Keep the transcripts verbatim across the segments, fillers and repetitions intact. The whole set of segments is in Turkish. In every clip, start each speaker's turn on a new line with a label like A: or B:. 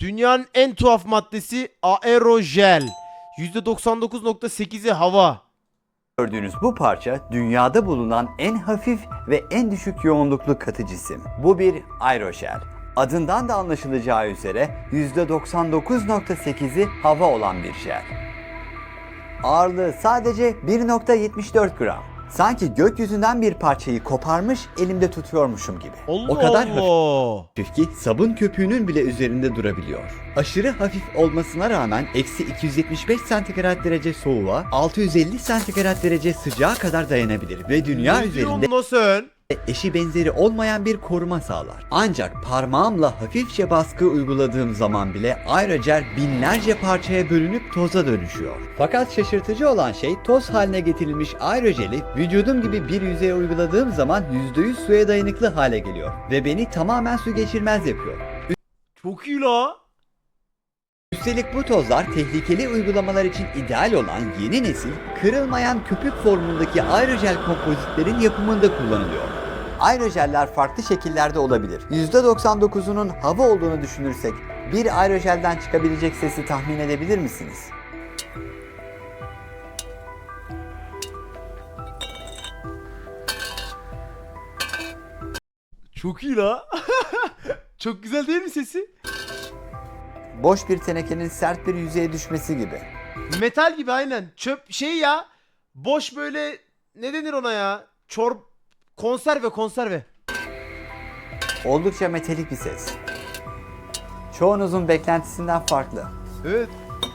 A: Dünyanın en tuhaf maddesi aerojel. yüzde doksan dokuz nokta sekizi hava.
B: Gördüğünüz bu parça dünyada bulunan en hafif ve en düşük yoğunluklu katı cisim. Bu bir aerojel. Adından da anlaşılacağı üzere yüzde doksan dokuz nokta sekizi hava olan bir jel. Ağırlığı sadece bir nokta yetmiş dört gram. Sanki gökyüzünden bir parçayı koparmış elimde tutuyormuşum gibi.
A: Allah
B: o kadar
A: Allah.
B: hafif ki sabun köpüğünün bile üzerinde durabiliyor. Aşırı hafif olmasına rağmen eksi iki yüz yetmiş beş santigrat derece soğuğa, altı yüz elli santigrat derece sıcağa kadar dayanabilir ve dünya
A: Ne
B: üzerinde
A: diyorsun lan sen?
B: eşi benzeri olmayan bir koruma sağlar. Ancak parmağımla hafifçe baskı uyguladığım zaman bile aerojel binlerce parçaya bölünüp toza dönüşüyor. Fakat şaşırtıcı olan şey toz haline getirilmiş aerojeli vücudum gibi bir yüzeye uyguladığım zaman yüzde yüz suya dayanıklı hale geliyor ve beni tamamen su geçirmez yapıyor.
A: Çok iyi la.
B: Üstelik bu tozlar tehlikeli uygulamalar için ideal olan yeni nesil kırılmayan köpük formundaki aerojel kompozitlerin yapımında kullanılıyor. Aerojeller farklı şekillerde olabilir. yüzde doksan dokuzunun hava olduğunu düşünürsek bir aerojelden çıkabilecek sesi tahmin edebilir misiniz?
A: Çok iyi la. Çok güzel değil mi sesi?
B: Boş bir tenekenin sert bir yüzeye düşmesi gibi.
A: Metal gibi aynen. Çöp şey ya. Boş böyle ne denir ona ya? Çor konserve konserve.
B: Oldukça metalik bir ses. Çoğunuzun beklentisinden farklı.
A: Evet.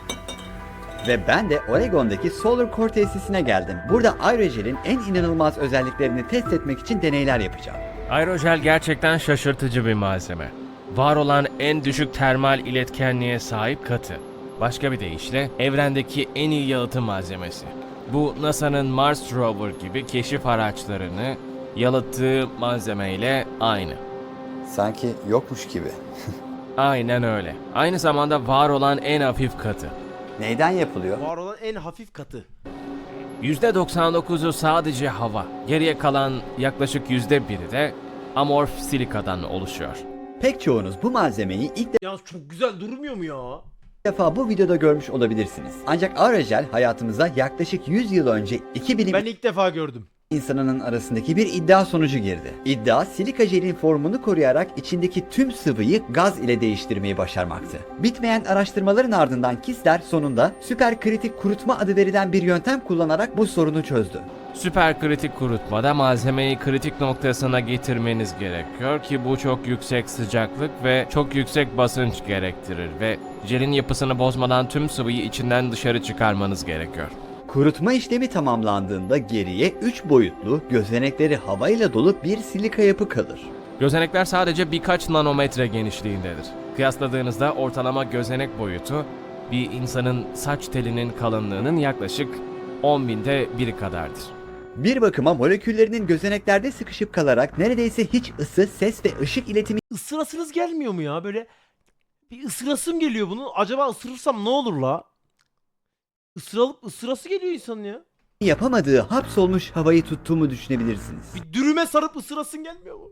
B: Ve ben de Oregon'daki Solar Core tesisine geldim. Burada aerojelin en inanılmaz özelliklerini test etmek için deneyler yapacağım.
C: Aerojel gerçekten şaşırtıcı bir malzeme. Var olan en düşük termal iletkenliğe sahip katı. Başka bir deyişle evrendeki en iyi yalıtım malzemesi. Bu NASA'nın Mars Rover gibi keşif araçlarını yalıttığı malzemeyle aynı.
B: Sanki yokmuş gibi.
C: Aynen öyle. Aynı zamanda var olan en hafif katı.
B: Neyden yapılıyor?
A: Var olan en hafif katı.
C: yüzde doksan dokuzu sadece hava. Geriye kalan yaklaşık yüzde biri de amorf silikadan oluşuyor.
B: Pek çoğunuz bu malzemeyi ilk
A: Ya çok güzel durmuyor mu ya?
B: defa bu videoda görmüş olabilirsiniz. Ancak aerojel hayatımıza yaklaşık yüz yıl önce iki bilim
A: Ben ilk defa gördüm.
B: insanının arasındaki bir iddia sonucu girdi. İddia silika jelin formunu koruyarak içindeki tüm sıvıyı gaz ile değiştirmeyi başarmaktı. Bitmeyen araştırmaların ardından Kistler sonunda süperkritik kurutma adı verilen bir yöntem kullanarak bu sorunu çözdü.
C: Süperkritik kurutmada malzemeyi kritik noktasına getirmeniz gerekiyor ki bu çok yüksek sıcaklık ve çok yüksek basınç gerektirir ve jelin yapısını bozmadan tüm sıvıyı içinden dışarı çıkarmanız gerekiyor.
B: Kurutma işlemi tamamlandığında geriye üç boyutlu, gözenekleri havayla dolu bir silika yapı kalır.
C: Gözenekler sadece birkaç nanometre genişliğindedir. Kıyasladığınızda ortalama gözenek boyutu bir insanın saç telinin kalınlığının yaklaşık on binde biri kadardır.
B: Bir bakıma moleküllerinin gözeneklerde sıkışıp kalarak neredeyse hiç ısı, ses ve ışık iletimi
A: Isırasınız gelmiyor mu ya? Böyle bir ısırasım geliyor bunu. Acaba ısırırsam ne olur la? Isıralıp ısırası geliyor insanın ya.
B: yapamadığı hapsolmuş havayı tuttuğumu düşünebilirsiniz.
A: Bir dürüme sarıp ısırasın gelmiyor mu?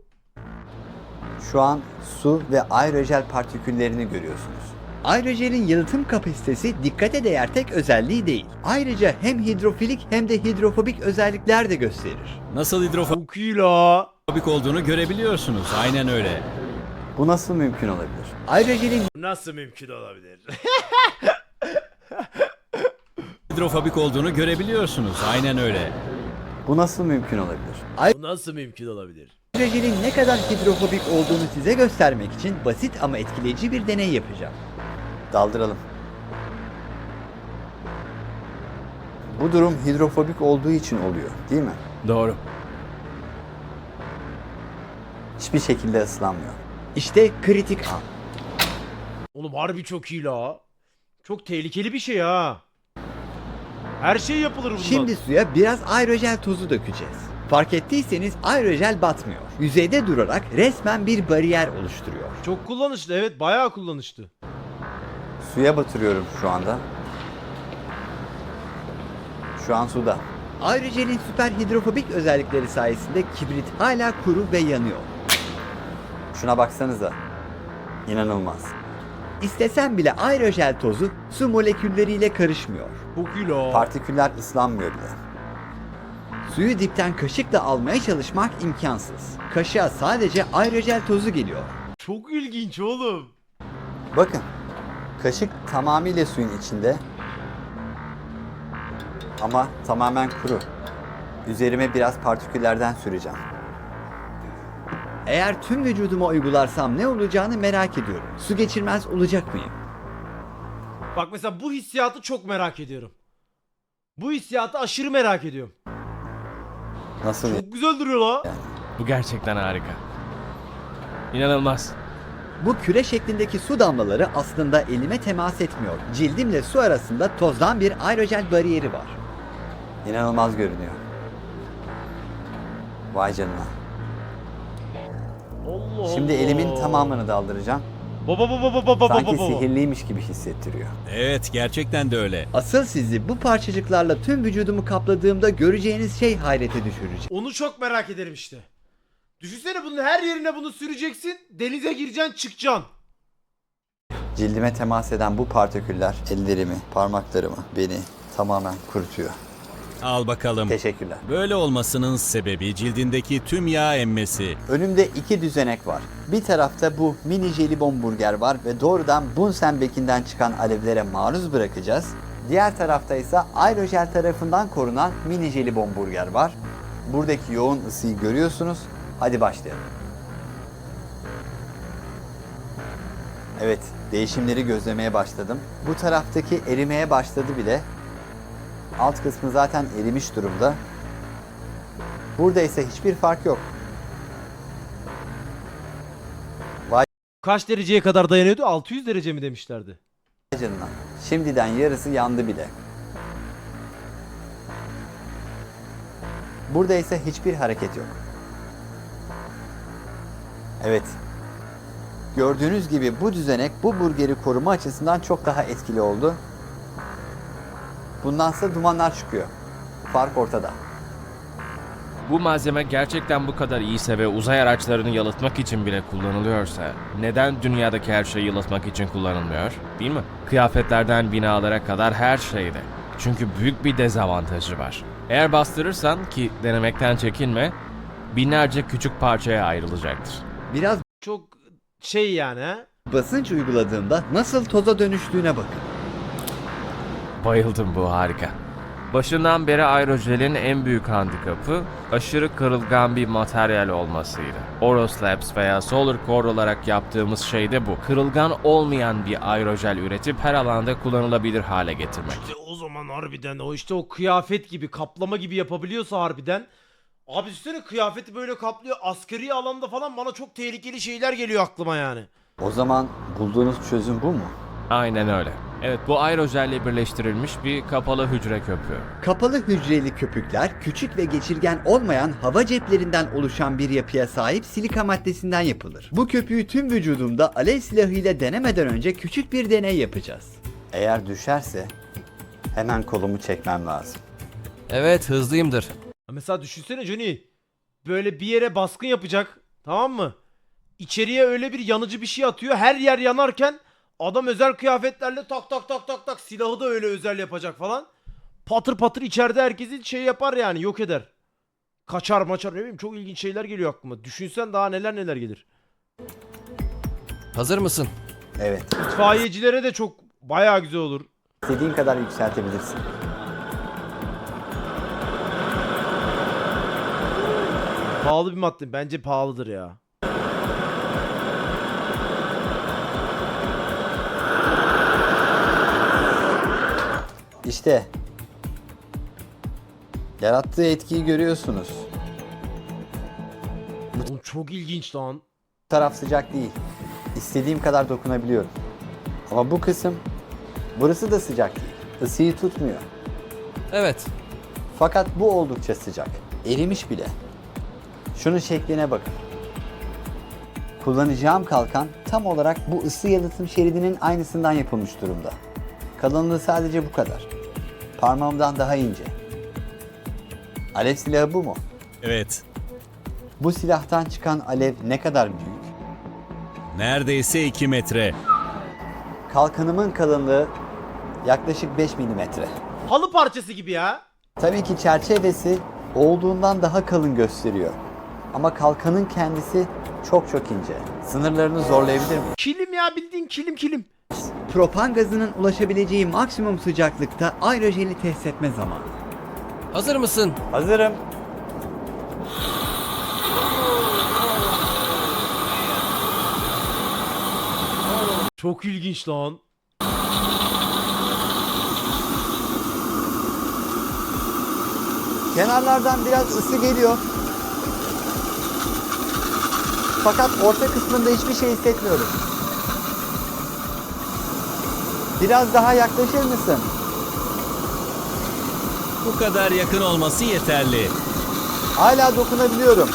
B: Şu an su ve aerojel partiküllerini görüyorsunuz. Aerojelin yalıtım kapasitesi dikkate değer tek özelliği değil. Ayrıca hem hidrofilik hem de hidrofobik özellikler de gösterir.
D: Nasıl hidrofobik
A: Çok iyi la.
D: olduğunu görebiliyorsunuz. Aynen öyle.
B: Bu nasıl mümkün olabilir? Aerojelin
A: Nasıl mümkün olabilir?
D: Hidrofobik olduğunu görebiliyorsunuz. Aynen öyle.
B: bu nasıl mümkün olabilir?
A: Bu nasıl mümkün olabilir?
B: Aerojelin ne kadar hidrofobik olduğunu size göstermek için basit ama etkileyici bir deney yapacağım. Daldıralım. Bu durum hidrofobik olduğu için oluyor, değil mi?
C: Doğru.
B: Hiçbir şekilde ıslanmıyor. İşte kritik an.
A: Oğlum harbi çok iyi la. Çok tehlikeli bir şey ha. Her şey yapılır bundan.
B: Şimdi suya biraz aerojel tozu dökeceğiz. Fark ettiyseniz aerojel batmıyor. Yüzeyde durarak resmen bir bariyer oluşturuyor.
A: Çok kullanışlı, evet, bayağı kullanışlı.
B: Suya batırıyorum şu anda. Şu an suda. Aerojelin süper hidrofobik özellikleri sayesinde kibrit hala kuru ve yanıyor. Şuna baksanıza. İnanılmaz. İstesen bile aerojel tozu su molekülleriyle karışmıyor.
A: Çok iyi la.
B: Partiküller ıslanmıyor bile. Suyu dipten kaşıkla almaya çalışmak imkansız. Kaşığa sadece aerojel tozu geliyor.
A: Çok ilginç oğlum.
B: Bakın, kaşık tamamıyla suyun içinde ama tamamen kuru. Üzerime biraz partiküllerden süreceğim. Eğer tüm vücuduma uygularsam ne olacağını merak ediyorum. Su geçirmez olacak mıyım?
A: Bak mesela bu hissiyatı çok merak ediyorum. Bu hissiyatı aşırı merak ediyorum.
B: Nasıl?
A: Çok güzel duruyor la.
C: Bu gerçekten harika. İnanılmaz.
B: Bu küre şeklindeki su damlaları aslında elime temas etmiyor. Cildimle su arasında tozdan bir aerojel bariyeri var. İnanılmaz görünüyor. Vay canına.
A: Allah
B: Şimdi
A: Allah.
B: elimin tamamını daldıracağım.
A: Baba baba baba baba
B: Sanki
A: baba.
B: sihirliymiş gibi hissettiriyor.
D: Evet, gerçekten de öyle.
B: Asıl sizi bu parçacıklarla tüm vücudumu kapladığımda göreceğiniz şey hayrete düşürecek.
A: Onu çok merak ederim işte. Düşünsene bunun her yerine bunu süreceksin. Denize gireceksin çıkacaksın.
B: Cildime temas eden bu partiküller ellerimi, parmaklarımı, beni tamamen kurutuyor.
D: Al bakalım.
B: Teşekkürler.
D: Böyle olmasının sebebi cildindeki tüm yağ emmesi.
B: Önümde iki düzenek var. Bir tarafta bu mini jelibon burger var ve doğrudan Bunsen bekinden çıkan alevlere maruz bırakacağız. Diğer tarafta ise aerojel tarafından korunan mini jelibon burger var. Buradaki yoğun ısıyı görüyorsunuz. Hadi başlayalım. Evet, değişimleri gözlemeye başladım. Bu taraftaki erimeye başladı bile. Alt kısmı zaten erimiş durumda. Burada ise hiçbir fark yok.
A: Kaç dereceye kadar dayanıyordu? altı yüz derece mi demişlerdi?
B: Vay canına. Şimdiden yarısı yandı bile. Burada ise hiçbir hareket yok. Evet. Gördüğünüz gibi bu düzenek bu burgeri koruma açısından çok daha etkili oldu. Bundansa dumanlar çıkıyor. Fark ortada.
C: Bu malzeme gerçekten bu kadar iyiyse ve uzay araçlarını yalıtmak için bile kullanılıyorsa neden dünyadaki her şey yalıtmak için kullanılmıyor? Değil mi? Kıyafetlerden binalara kadar her şeyde. Çünkü büyük bir dezavantajı var. Eğer bastırırsan, ki denemekten çekinme, binlerce küçük parçaya ayrılacaktır.
B: Biraz
A: Çok şey yani ha.
B: basınç uyguladığımda nasıl toza dönüştüğüne bakın.
C: Bayıldım, bu harika. Başından beri aerojelin en büyük handikapı aşırı kırılgan bir materyal olmasıydı. Oros Labs veya Solar Core olarak yaptığımız şey de bu. Kırılgan olmayan bir aerojel üretip her alanda kullanılabilir hale getirmek.
A: İşte o zaman harbiden o işte o kıyafet gibi kaplama gibi yapabiliyorsa harbiden. Abi üstüne kıyafeti böyle kaplıyor. Askeri alanda falan bana çok tehlikeli şeyler geliyor aklıma yani.
B: O zaman bulduğunuz çözüm bu mu?
C: Aynen öyle. Evet, bu aerojelle birleştirilmiş bir kapalı hücre köpüğü.
B: Kapalı hücreli köpükler küçük ve geçirgen olmayan hava ceplerinden oluşan bir yapıya sahip silika maddesinden yapılır. Bu köpüğü tüm vücudumda alev silahıyla denemeden önce küçük bir deney yapacağız. Eğer düşerse hemen kolumu çekmem lazım.
E: Evet, hızlıyımdır.
A: Mesela düşünsene Johnny. Böyle bir yere baskın yapacak. Tamam mı? İçeriye öyle bir yanıcı bir şey atıyor. Her yer yanarken adam özel kıyafetlerle tak tak tak tak tak silahı da öyle özel yapacak falan. Patır patır içeride herkesi şey yapar yani, yok eder. Kaçar maçar, ne bileyim, çok ilginç şeyler geliyor aklıma. Düşünsen daha neler neler gelir.
E: Hazır mısın?
B: Evet,
A: İtfaiyecilere de çok bayağı güzel olur.
B: istediğin kadar yükseltebilirsin.
A: Pahalı bir madde. Bence pahalıdır ya.
B: İşte yarattığı etkiyi görüyorsunuz.
A: Oğlum çok ilginç lan.
B: Bu taraf sıcak değil. İstediğim kadar dokunabiliyorum. Ama bu kısım, burası da sıcak değil. Isıyı tutmuyor.
E: Evet.
B: Fakat bu oldukça sıcak. Erimiş bile. Şunun şekline bakın. Kullanacağım kalkan tam olarak bu ısı yalıtım şeridinin aynısından yapılmış durumda. Kalınlığı sadece bu kadar. Parmağımdan daha ince. Alev silahı bu mu?
D: Evet.
B: Bu silahtan çıkan alev ne kadar büyük?
D: Neredeyse iki metre.
B: Kalkanımın kalınlığı yaklaşık beş milimetre.
A: Halı parçası gibi ya.
B: Tabii ki çerçevesi olduğundan daha kalın gösteriyor. Ama kalkanın kendisi çok çok ince. Sınırlarını zorlayabilir mi?
A: Kilim ya, bildiğin kilim kilim.
B: Propan gazının ulaşabileceği maksimum sıcaklıkta aerojeli test etme zamanı.
E: Hazır mısın?
B: Hazırım.
A: Çok ilginç lan.
B: Kenarlardan biraz ısı geliyor. Fakat orta kısmında hiçbir şey hissetmiyorum. Biraz daha yaklaşır mısın?
D: Bu kadar yakın olması yeterli.
B: Hala dokunabiliyorum.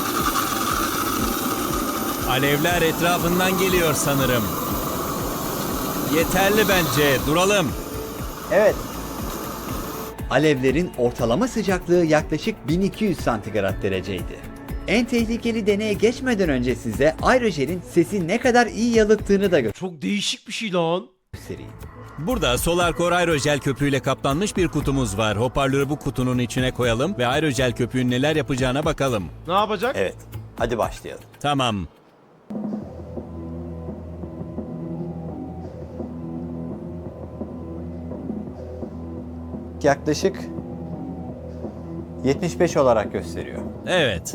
D: Alevler etrafından geliyor sanırım. Yeterli bence. Duralım.
B: Evet. Alevlerin ortalama sıcaklığı yaklaşık bin iki yüz santigrat dereceydi. En tehlikeli deneye geçmeden önce size aerojelin sesi ne kadar iyi yalıttığını da
A: Çok değişik bir şey lan.
B: göstereyim.
D: Burada Solarcore aerojel köpüğüyle kaplanmış bir kutumuz var. Hoparlörü bu kutunun içine koyalım ve aerojel köpüğün neler yapacağına bakalım.
A: Ne yapacak?
B: Evet, hadi başlayalım.
D: Tamam.
B: Yaklaşık yetmiş beş olarak gösteriyor.
D: Evet.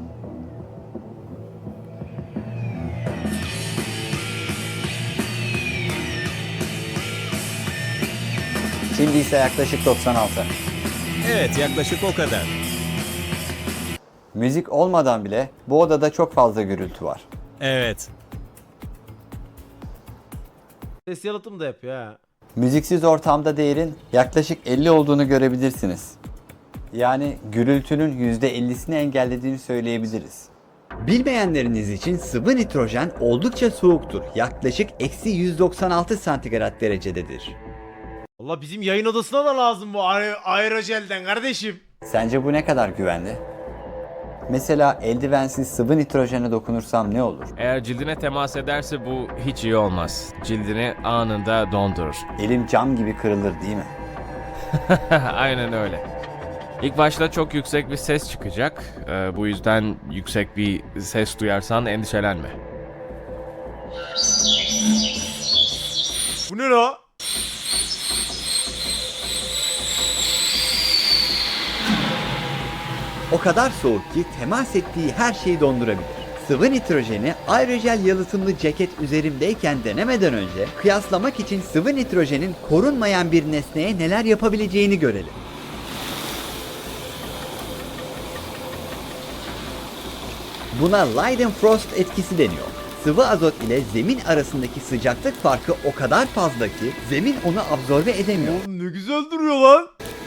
B: Şimdi ise yaklaşık doksan altı.
D: Evet, yaklaşık o kadar.
B: Müzik olmadan bile bu odada çok fazla gürültü var.
D: Evet.
A: Ses yalıtım da yapıyor ha.
B: Müziksiz ortamda değerin yaklaşık elli olduğunu görebilirsiniz. Yani gürültünün yüzde ellisini engellediğini söyleyebiliriz. Bilmeyenleriniz için sıvı nitrojen oldukça soğuktur. Yaklaşık eksi yüz doksan altı santigrat derecededir.
A: Valla bizim yayın odasına da lazım bu aer aerojelden kardeşim.
B: Sence bu ne kadar güvenli? Mesela eldivensiz sıvı nitrojene dokunursam ne olur?
C: Eğer cildine temas ederse bu hiç iyi olmaz. Cildini anında dondurur.
B: Elim cam gibi kırılır değil mi?
C: Aynen öyle. İlk başta çok yüksek bir ses çıkacak. Ee, bu yüzden yüksek bir ses duyarsan endişelenme.
A: Bu ne la?
B: O kadar soğuk ki temas ettiği her şeyi dondurabilir. Sıvı nitrojeni aerojel yalıtımlı ceket üzerimdeyken denemeden önce kıyaslamak için sıvı nitrojenin korunmayan bir nesneye neler yapabileceğini görelim. Buna Leidenfrost etkisi deniyor. Sıvı azot ile zemin arasındaki sıcaklık farkı o kadar fazla ki zemin onu absorbe edemiyor.
A: Oğlum ne güzel duruyor lan.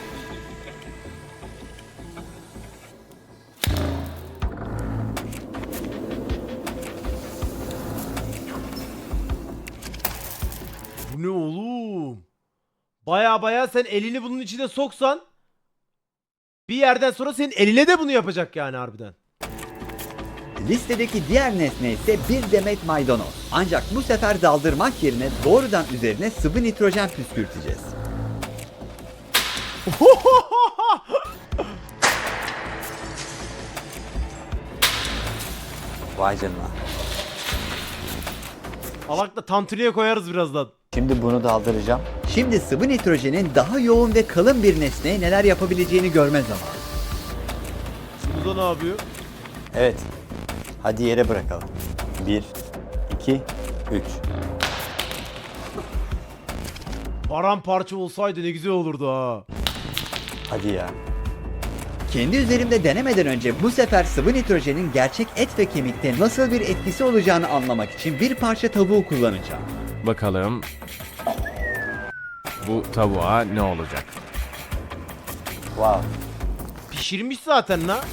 A: Bu ne oğlum? Baya baya sen elini bunun içine soksan bir yerden sonra senin eline de bunu yapacak yani harbiden.
B: Listedeki diğer nesne ise bir demet maydanoz. Ancak bu sefer daldırmak yerine doğrudan üzerine sıvı nitrojen püskürteceğiz. Vay canına.
A: Alakla tantuniye koyarız birazdan.
B: Şimdi bunu daldıracağım. Şimdi sıvı nitrojenin daha yoğun ve kalın bir nesneye neler yapabileceğini görme zamanı.
A: Burada ne yapıyor?
B: Evet. Hadi yere bırakalım. Bir, iki, üç.
A: Paramparça olsaydı ne güzel olurdu ha.
B: Hadi ya. Kendi üzerimde denemeden önce bu sefer sıvı nitrojenin gerçek et ve kemikte nasıl bir etkisi olacağını anlamak için bir parça tavuğu kullanacağım.
C: Bakalım bu tavuğa ne olacak?
B: Wow.
A: Pişirmiş zaten la.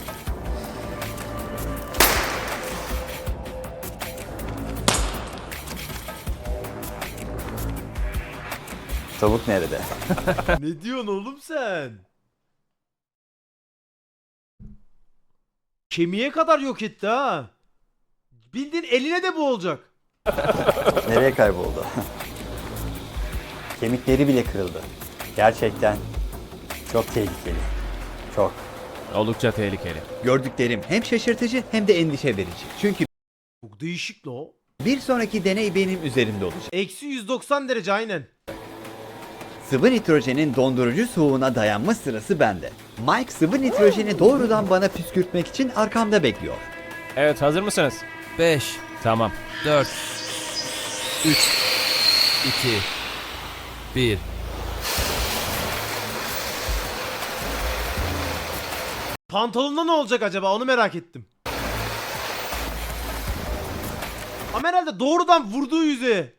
B: Tavuk nerede?
A: Ne diyorsun oğlum sen? Kemiğe kadar yok etti ha. Bildiğin eline de bu olacak.
B: Nereye kayboldu? Kemikleri bile kırıldı. Gerçekten çok tehlikeli. Çok.
C: Oldukça tehlikeli.
B: Gördüklerim hem şaşırtıcı hem de endişe verici. Çünkü
A: Çok değişik la o.
B: bir sonraki deney benim üzerimde olacak.
A: Eksi yüz doksan derece aynen.
B: Sıvı nitrojenin dondurucu soğuğuna dayanma sırası bende. Mike sıvı nitrojeni doğrudan bana püskürtmek için arkamda bekliyor.
C: Evet, hazır mısınız?
E: beş,
C: Tamam.
E: dört, üç, iki, bir.
A: Pantolonda ne olacak acaba onu merak ettim. Ama herhalde doğrudan vurduğu yüzeye.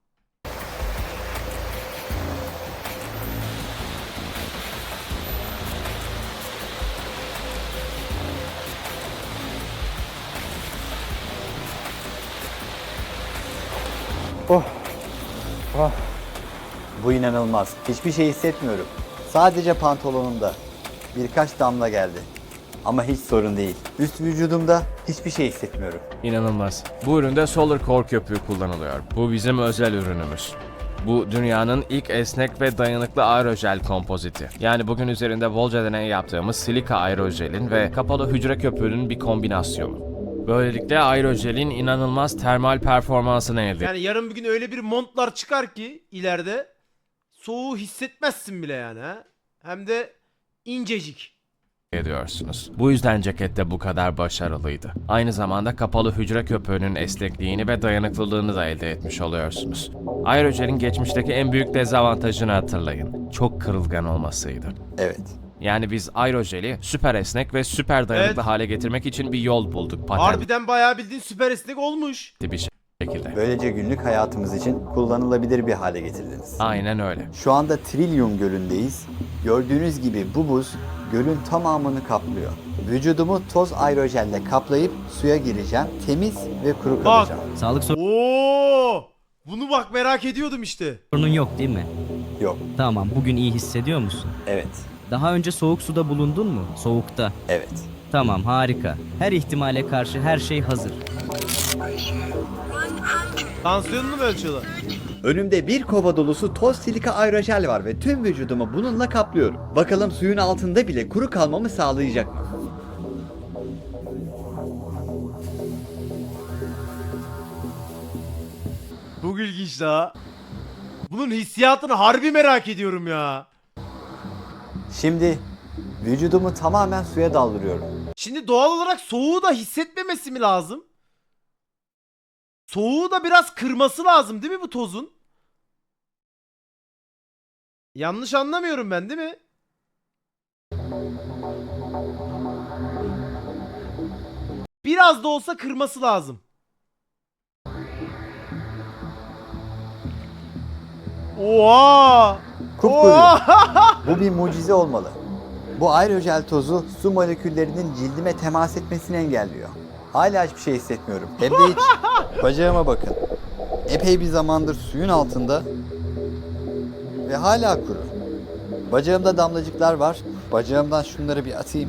B: Bu inanılmaz. Hiçbir şey hissetmiyorum. Sadece pantolonumda birkaç damla geldi. Ama hiç sorun değil. Üst vücudumda hiçbir şey hissetmiyorum.
C: İnanılmaz. Bu üründe Solar Core köpüğü kullanılıyor. Bu bizim özel ürünümüz. Bu dünyanın ilk esnek ve dayanıklı aerojel kompoziti. Yani bugün üzerinde bolca deney yaptığımız silika aerojelin ve kapalı hücre köpüğünün bir kombinasyonu. Böylelikle aerojelin inanılmaz termal performansını elde
A: Yani yarın bir gün öyle bir montlar çıkar ki ileride soğuğu hissetmezsin bile yani ha. Hem de incecik.
C: ediyorsunuz. Bu yüzden ceket de bu kadar başarılıydı. Aynı zamanda kapalı hücre köpüğünün esnekliğini ve dayanıklılığını da elde etmiş oluyorsunuz. Aerojelin geçmişteki en büyük dezavantajını hatırlayın. Çok kırılgan olmasıydı.
B: Evet.
C: Yani biz aerojeli süper esnek ve süper dayanıklı
A: Evet.
C: hale getirmek için bir yol bulduk. Patentli
A: Harbiden bayağı bildiğin süper esnek olmuş.
C: bir şekilde.
B: Böylece günlük hayatımız için kullanılabilir bir hale getirdiniz.
C: Aynen öyle.
B: Şu anda Trillium Gölü'ndeyiz. Gördüğünüz gibi bu buz gölün tamamını kaplıyor. Vücudumu toz aerojelle kaplayıp suya gireceğim. Temiz ve kuru
A: Bak.
B: kalacağım.
F: Sağlık
A: Oo! Bunu bak merak ediyordum işte.
F: sorunun yok değil mi?
B: Yok.
F: Tamam, bugün iyi hissediyor musun?
B: Evet.
F: Daha önce soğuk suda bulundun mu? Soğukta.
B: Evet.
F: Tamam, harika. Her ihtimale karşı her şey hazır.
A: Tansiyonunu mu ölçüyorlar?
B: Önümde bir kova dolusu toz silika aerojel var ve tüm vücudumu bununla kaplıyorum. Bakalım suyun altında bile kuru kalmamı sağlayacak mı?
A: Çok ilginç daha. Bunun hissiyatını harbi merak ediyorum ya.
B: Şimdi vücudumu tamamen suya daldırıyorum.
A: Şimdi doğal olarak soğuğu da hissetmemesi mi lazım? Soğuğu da biraz kırması lazım değil mi bu tozun? Yanlış anlamıyorum ben değil mi? Biraz da olsa kırması lazım. Oha!
B: Kupkuru.
A: Oha!
B: Bu bir mucize olmalı. Bu aerojel tozu su moleküllerinin cildime temas etmesini engelliyor. Hala hiçbir şey hissetmiyorum. Hem de hiç. Bacağıma bakın. Epey bir zamandır suyun altında ve hala kuru. Bacağımda damlacıklar var. Bacağımdan şunları bir atayım.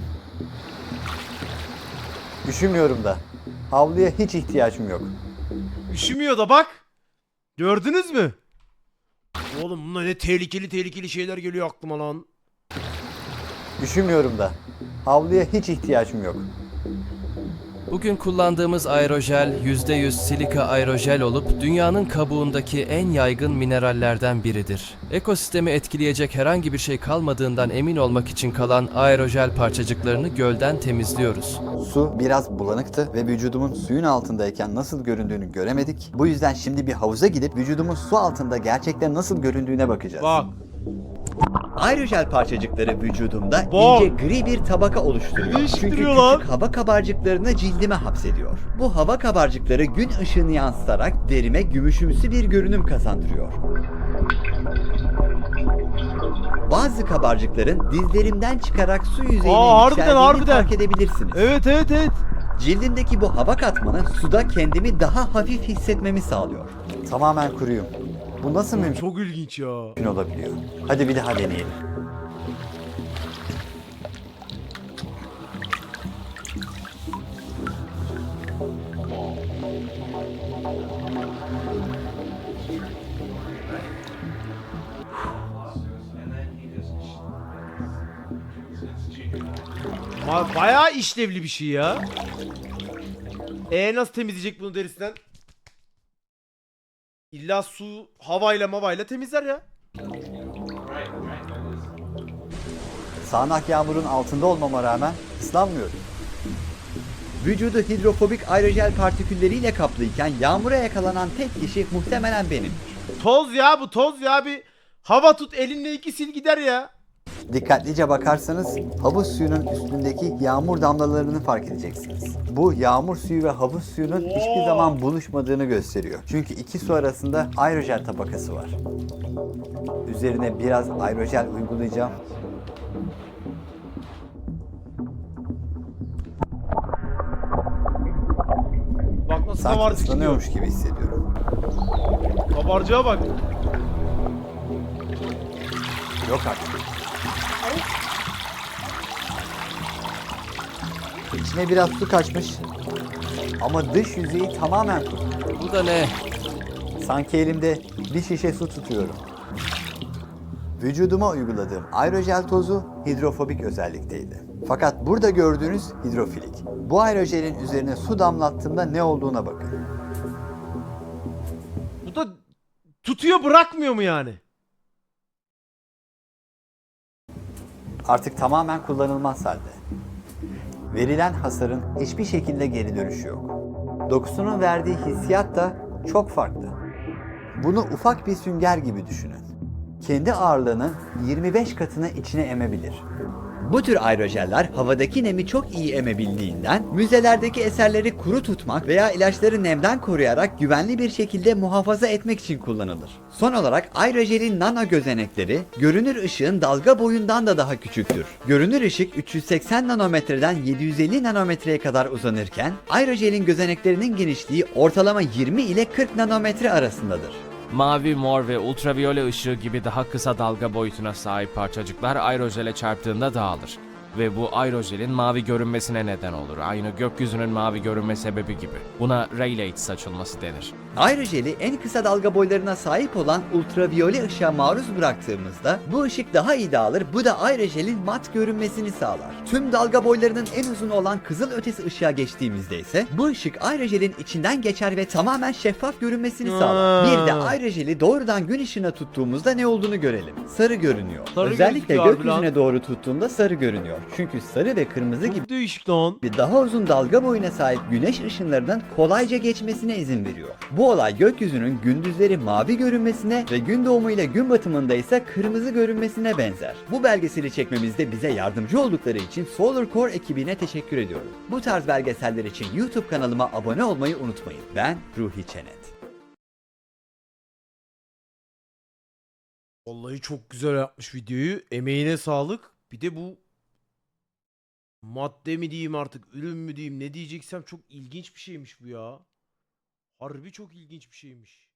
B: Üşümüyorum da. Havluya hiç ihtiyacım yok.
A: Üşümüyor da bak. Gördünüz mü? Oğlum bunlar ne tehlikeli tehlikeli şeyler geliyor aklıma lan.
B: Üşümüyorum da. Havluya hiç ihtiyacım yok.
E: Bugün kullandığımız aerojel yüzde yüz silika aerojel olup dünyanın kabuğundaki en yaygın minerallerden biridir. Ekosistemi etkileyecek herhangi bir şey kalmadığından emin olmak için kalan aerojel parçacıklarını gölden temizliyoruz.
B: Su biraz bulanıktı ve vücudumun suyun altındayken nasıl göründüğünü göremedik. Bu yüzden şimdi bir havuza gidip vücudumun su altında gerçekten nasıl göründüğüne bakacağız.
A: Bak.
B: Aerojel parçacıkları vücudumda
A: Bak.
B: ince gri bir tabaka oluşturuyor. Çünkü
A: Değiştiriyor lan.
B: küçük hava kabarcıklarını cildime hapsediyor. Bu hava kabarcıkları gün ışığını yansıtarak derime gümüşümsü bir görünüm kazandırıyor. Bazı kabarcıkların dizlerimden çıkarak su yüzeyine
A: Aa, harbiden,
B: yükseldiğini
A: harbiden.
B: fark edebilirsiniz.
A: Evet evet evet.
B: Cildimdeki bu hava katmanı suda kendimi daha hafif hissetmemi sağlıyor. Tamamen kuruyum. Bu nasıl mümkün
A: Çok ilginç ya.
B: olabiliyor? Hadi bir daha deneyelim.
A: Ba- bayağı işlevli bir şey ya. E nasıl temizleyecek bunu derisinden? İlla su havayla mavayla temizler ya.
B: Sağanak yağmurun altında olmama rağmen ıslanmıyorum. Vücudu hidrofobik aerojel partikülleriyle kaplıyken yağmura yakalanan tek kişi muhtemelen benim.
A: Toz ya bu toz ya bir hava tut elinle iki sil gider ya.
B: Dikkatlice bakarsanız havuz suyunun üstündeki yağmur damlalarını fark edeceksiniz. Bu yağmur suyu ve havuz suyunun hiçbir zaman buluşmadığını gösteriyor. Çünkü iki su arasında aerojel tabakası var. Üzerine biraz aerojel uygulayacağım.
A: Bak nasıl
B: Sanki
A: kabarcık çıkıyor.
B: ıslanıyormuş gibi hissediyorum.
A: Kabarcığa bak.
B: Yok artık. İçine biraz su kaçmış. Ama dış yüzeyi tamamen kuru.
E: Bu da ne?
B: Sanki elimde bir şişe su tutuyorum. Vücuduma uyguladığım aerojel tozu hidrofobik özellikteydi. Fakat burada gördüğünüz hidrofilik. Bu aerojelin üzerine su damlattığımda ne olduğuna bakın.
A: Bu da tutuyor bırakmıyor mu yani?
B: Artık tamamen kullanılmaz halde. Verilen hasarın hiçbir şekilde geri dönüşü yok. Dokusunun verdiği hissiyat da çok farklı. Bunu ufak bir sünger gibi düşünün. Kendi ağırlığının yirmi beş katını içine emebilir. Bu tür aerojeller havadaki nemi çok iyi emebildiğinden müzelerdeki eserleri kuru tutmak veya ilaçları nemden koruyarak güvenli bir şekilde muhafaza etmek için kullanılır. Son olarak aerojelin nano gözenekleri görünür ışığın dalga boyundan da daha küçüktür. Görünür ışık üç yüz seksen nanometreden yedi yüz elli nanometreye kadar uzanırken aerojelin gözeneklerinin genişliği ortalama yirmi ile kırk nanometre arasındadır.
C: Mavi, mor ve ultraviyole ışığı gibi daha kısa dalga boyutuna sahip parçacıklar aerojele çarptığında dağılır. Ve bu aerojelin mavi görünmesine neden olur. Aynı gökyüzünün mavi görünme sebebi gibi. Buna Rayleigh saçılması denir.
B: Aerojeli en kısa dalga boylarına sahip olan ultraviyole ışığa maruz bıraktığımızda bu ışık daha iyi dağılır. Bu da aerojelin mat görünmesini sağlar. Tüm dalga boylarının en uzun olan kızıl ötesi ışığa geçtiğimizde ise bu ışık aerojelin içinden geçer ve tamamen şeffaf görünmesini sağlar. Bir de aerojeli doğrudan gün ışığına tuttuğumuzda ne olduğunu görelim. Sarı görünüyor.
A: Sarı
B: Özellikle
A: gözüküyor abi
B: gökyüzüne
A: lan.
B: doğru tuttuğunda sarı görünüyor. Çünkü sarı ve kırmızı gibi
A: Çok değişik lan.
B: bir daha uzun dalga boyuna sahip güneş ışınlarının kolayca geçmesine izin veriyor. Bu olay gökyüzünün gündüzleri mavi görünmesine ve gün doğumu ile gün batımında ise kırmızı görünmesine benzer. Bu belgeseli çekmemizde bize yardımcı oldukları için Solar Core ekibine teşekkür ediyorum. Bu tarz belgeseller için YouTube kanalıma abone olmayı unutmayın. Ben Ruhi Çenet.
A: Vallahi çok güzel yapmış videoyu. Emeğine sağlık. Bir de bu madde mi diyeyim artık, ürün mü diyeyim, ne diyeceksem çok ilginç bir şeymiş bu ya. Harbi çok ilginç bir şeymiş.